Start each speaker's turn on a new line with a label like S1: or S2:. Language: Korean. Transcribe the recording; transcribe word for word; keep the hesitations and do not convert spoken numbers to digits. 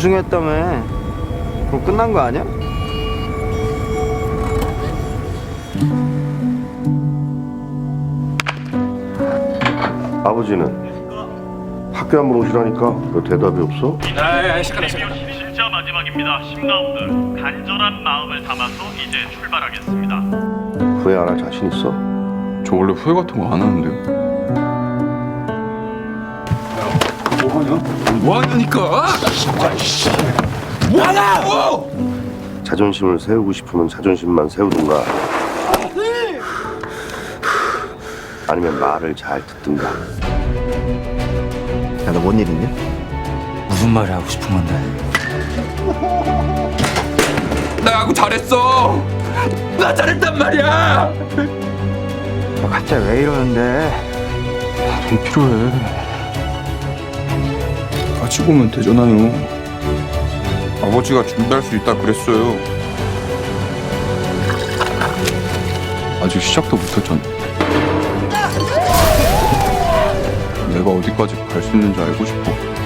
S1: 우승했다며. 그럼 끝난 거 아니야?
S2: 아버지는 학교 한번 오시라니까 왜 대답이 없어?
S3: 아, 잠깐만, 잠깐만.
S4: 진짜 마지막입니다. 십 라운드 간절한 마음을 담아서 이제 출발하겠습니다.
S2: 후회 안 할 자신 있어?
S3: 저 원래 후회 같은 거 안 하는데요. 뭐하냐? 뭐하냐니까? 뭐하냐고!
S2: 자존심을 세우고 싶으면 자존심만 세우든가 아니면 말을 잘 듣든가.
S1: 야, 너 뭔 일 있냐?
S5: 무슨 말을 하고 싶은 건데?
S3: 나 야구 잘했어. 나 잘했단 말이야.
S1: 너 갑자기 왜 이러는데?
S3: 돈 필요해. 같이 보면 되잖아요. 아버지가 준비할 수 있다 그랬어요. 아직 시작도 못했잖아. 내가 어디까지 갈 수 있는지 알고 싶어.